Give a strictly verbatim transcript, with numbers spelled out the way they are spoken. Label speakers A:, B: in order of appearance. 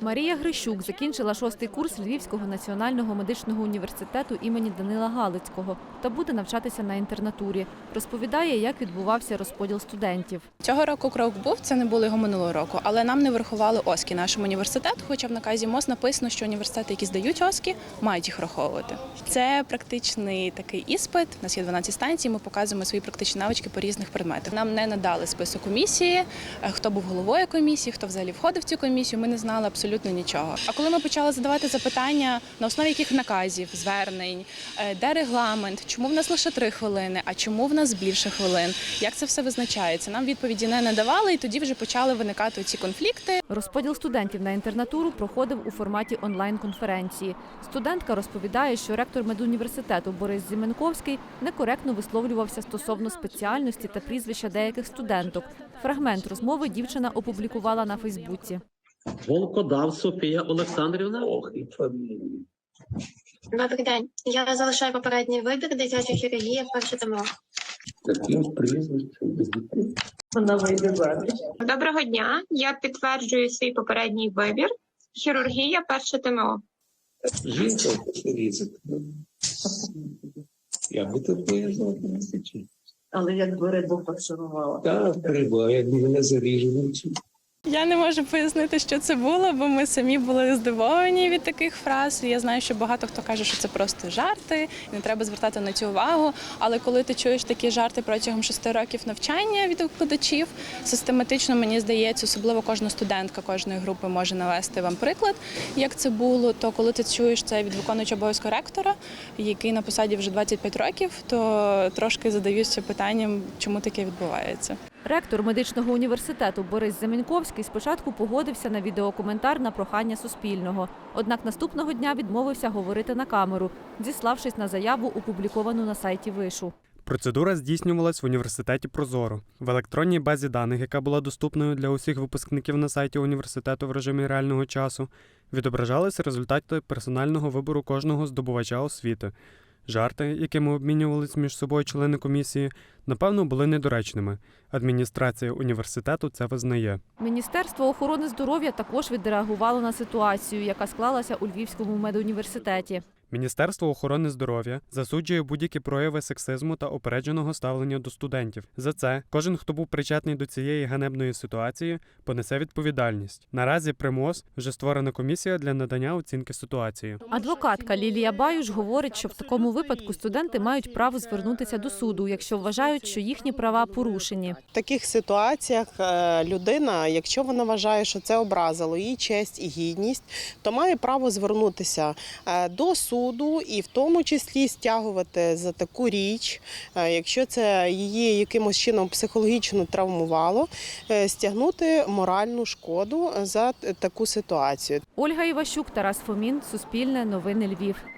A: Марія Грищук закінчила шостий курс Львівського національного медичного університету імені Данила Галицького та буде навчатися на інтернатурі. Розповідає, як відбувався розподіл студентів.
B: Цього року крок був, це не було його минулого року, але нам не врахували ОСКІ нашому університету, хоча в наказі МОЗ написано, що університети, які здають ОСКІ, мають їх враховувати. Це практичний такий іспит, у нас є дванадцять станцій, ми показуємо свої практичні навички по різних предметах. Нам не надали список комісії, хто був головою комісії, хто взагалі входив в цю комісію, ми не знали абсолютно нічого. А коли ми почали задавати запитання, на основі яких наказів, звернень, де регламент, чому в нас лише три хвилини, а чому в нас більше хвилин, як це все визначається, нам відповіді не надавали, і тоді вже почали виникати ці конфлікти.
A: Розподіл студентів на інтернатуру проходив у форматі онлайн-конференції. Студентка розповідає, що ректор медуніверситету Борис Зіменковський некоректно висловлювався стосовно спеціальності та прізвища деяких студенток. Фрагмент розмови дівчина опублікувала на Фейсбуці.
C: Волкодав Софія Олександрівна.
D: Добрий день. Я залишаю попередній вибір, дитяча хірургія, перше ТМО.
E: Вона вийде заміж.
F: Доброго дня. Я підтверджую свій попередній вибір. Хірургія, перше ТМО.
G: Жінка різик. Я би тут поїздила на січі.
E: Але якби рибу фарширувала.
G: Так, риба, як мене заріжу.
B: Я не можу пояснити, що це було, бо ми самі були здивовані від таких фраз. Я знаю, що багато хто каже, що це просто жарти, і не треба звертати на цю увагу. Але коли ти чуєш такі жарти протягом шести років навчання від викладачів, систематично, мені здається, особливо кожна студентка кожної групи може навести вам приклад, як це було, то коли ти чуєш це від виконуючого обов'язку ректора, який на посаді вже двадцять п'ять років, то трошки задаюся питанням, чому таке відбувається.
A: Ректор медичного університету Борис Зіменковський спочатку погодився на відеокоментар на прохання Суспільного. Однак наступного дня відмовився говорити на камеру, зіславшись на заяву, опубліковану на сайті вишу.
H: Процедура здійснювалась в університеті «Прозоро». В електронній базі даних, яка була доступною для усіх випускників на сайті університету в режимі реального часу, відображалися результати персонального вибору кожного здобувача освіти. Жарти, якими обмінювалися між собою члени комісії, напевно, були недоречними. Адміністрація університету це визнає.
A: Міністерство охорони здоров'я також відреагувало на ситуацію, яка склалася у Львівському медуніверситеті.
H: Міністерство охорони здоров'я засуджує будь-які прояви сексизму та упередженого ставлення до студентів. За це кожен, хто був причетний до цієї ганебної ситуації, понесе відповідальність. Наразі при МОЗ вже створена комісія для надання оцінки ситуації.
A: Адвокатка Лілія Баюш говорить, що в такому випадку студенти мають право звернутися до суду, якщо вважають, що їхні права порушені.
I: В таких ситуаціях людина, якщо вона вважає, що це образило її честь і гідність, то має право звернутися до суду. Суду і в тому числі стягувати за таку річ, якщо це її якимось чином психологічно травмувало, стягнути моральну шкоду за таку ситуацію.
A: Ольга Іващук, Тарас Фомін, Суспільне, Новини Львів.